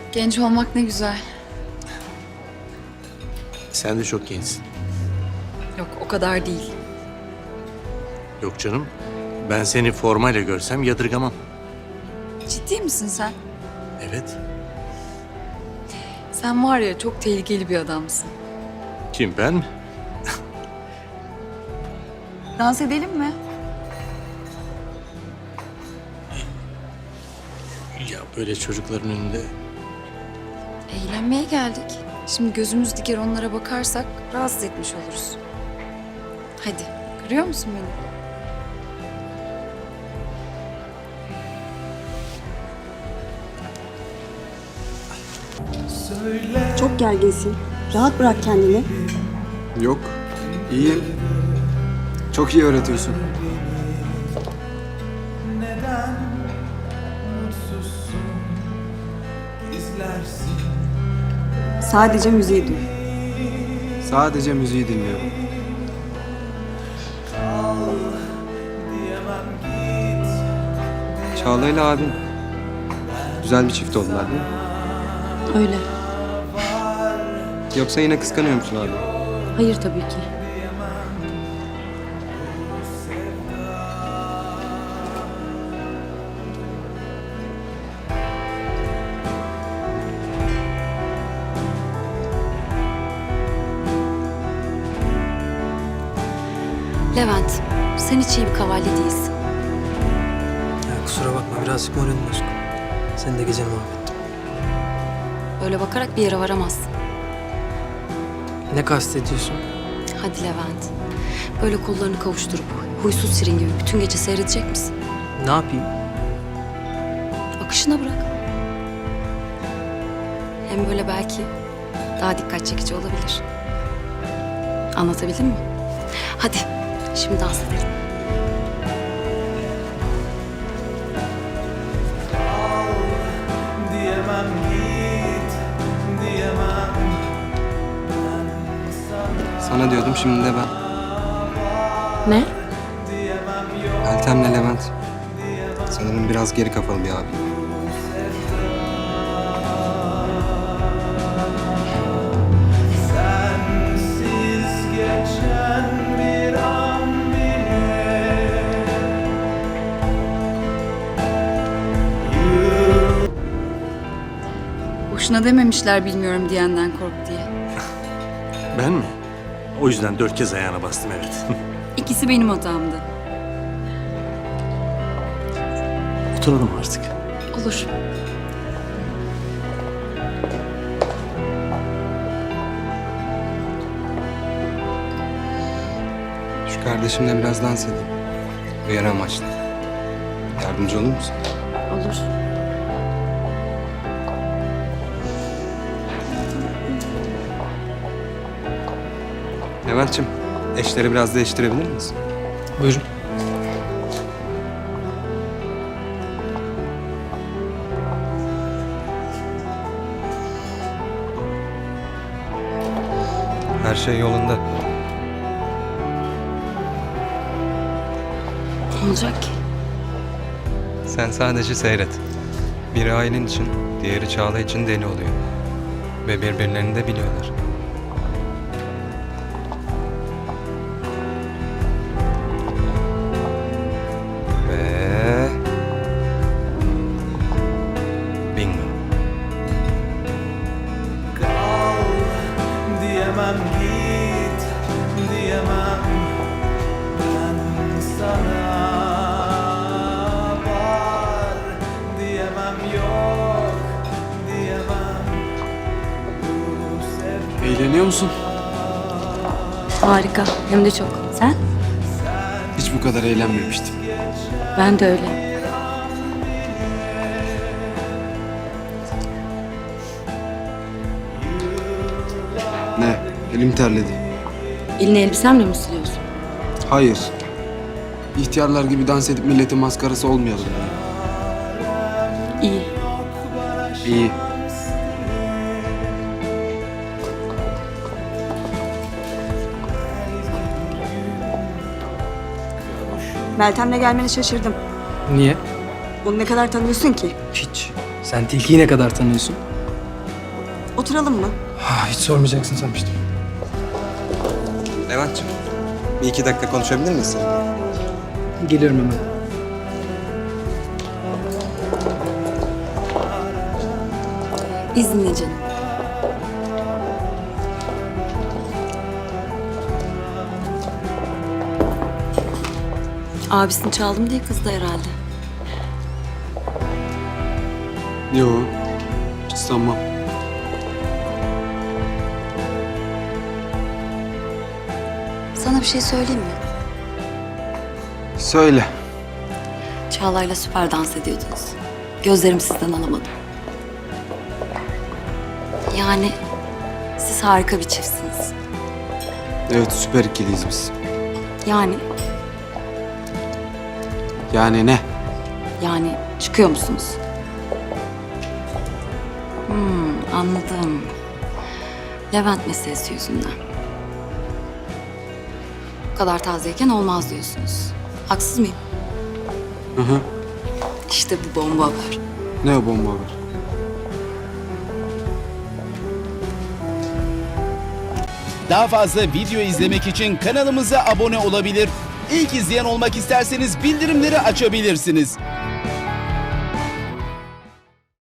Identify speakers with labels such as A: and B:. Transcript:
A: Genç olmak ne güzel.
B: Sen de çok gençsin.
A: Yok, o kadar değil.
B: Yok canım. Ben seni formayla görsem yadırgamam.
A: Ciddi misin sen?
B: Evet.
A: Sen var ya, çok tehlikeli bir adamsın.
B: Kim, ben mi?
A: Dans edelim mi?
B: Ya böyle çocukların önünde...
A: Eğlenmeye geldik. Şimdi gözümüz diker onlara bakarsak rahatsız etmiş oluruz. Hadi, görüyor musun beni?
C: Çok gerginsin. Rahat bırak kendini.
D: Yok, iyiyim. Çok iyi öğretiyorsun.
C: Sadece müziği duy.
D: Sadece müziği dinliyorum. Çağla ile abin. Güzel bir çift oldular değil mi?
C: Öyle.
D: Yoksa yine kıskanıyor musun abi?
C: Hayır tabii ki.
E: Levent, sen hiç iyi bir kavalye değilsin.
F: Ya kusura bakma birazcık moralim bozuk. Seni de geceni mahvettim.
E: Öyle bakarak bir yere varamazsın.
F: Ne kastediyorsun?
E: Hadi Levent. Böyle kollarını kavuşturup huysuz sirin gibi bütün gece seyredecek misin?
F: Ne yapayım?
E: Akışına bırak. Hem böyle belki daha dikkat çekici olabilir. Anlatabildim mi? Hadi şimdi dans edelim.
G: Diyemem git, diyemem.
D: Sana diyordum, şimdi de ben.
E: Ne?
D: Meltem'le Levent. Sanırım biraz geri kafalı bir abi.
G: Sensiz geçen bir an bile.
A: Boşuna dememişler bilmiyorum diyenden kork diye.
B: Ben mi? O yüzden 4 kez ayağına bastım, evet.
A: İkisi benim hatamdı.
B: Oturalım artık.
A: Olur.
D: Şu kardeşimle biraz dans edeyim. Uyarı amaçlı. Yardımcı olur musun?
E: Olur.
D: Levent'ciğim, eşleri biraz değiştirebilir miyiz?
F: Buyurun.
D: Her şey yolunda.
E: Ne olacak ki?
D: Sen sadece seyret. Biri ailen için, diğeri Çağla için deli oluyor. Ve birbirlerini de biliyorlar. Ve... Bingo.
G: Kal, diyemem git, diyemem. Ben sana var, diyemem yok, diyemem. Bu sevda
D: Eğleniyor musun?
E: Harika. Hem de çok. Sen?
D: Hiç bu kadar eğlenmemiştim.
E: Ben de öyle.
D: Ne? Elim terledi.
E: Elini elbisemle mi siliyorsun?
D: Hayır. İhtiyarlar gibi dans edip milletin maskarası olmayalım.
E: İyi.
D: İyi.
C: Meltem'le gelmene şaşırdım.
F: Niye?
C: Onu ne kadar tanıyorsun ki?
F: Hiç. Sen Tilki'yi ne kadar tanıyorsun?
C: Oturalım mı?
F: Hiç sormayacaksın sanmıştım.
D: Levent'ciğim, bir iki dakika konuşabilir miyiz seninle?
F: Gelirim hemen.
E: İzninle canım. Abisini çaldım diye kızdı herhalde.
H: Yo, hiç sanmam.
E: Sana bir şey söyleyeyim mi?
H: Söyle.
E: Çağla'yla süper dans ediyordunuz. Gözlerim sizden alamadım. Yani siz harika bir çiftsiniz.
H: Evet, süper ikiliyiz biz.
E: Yani
H: Ne?
E: çıkıyor musunuz? Anladım. Levent meselesi yüzünden. Bu kadar tazeyken olmaz diyorsunuz. Haksız mıyım?
H: Hı hı.
E: İşte bu bomba haber.
H: Ne o bomba haber?
I: Daha fazla video izlemek için kanalımıza abone olabilir. İlk izleyen olmak isterseniz bildirimleri açabilirsiniz.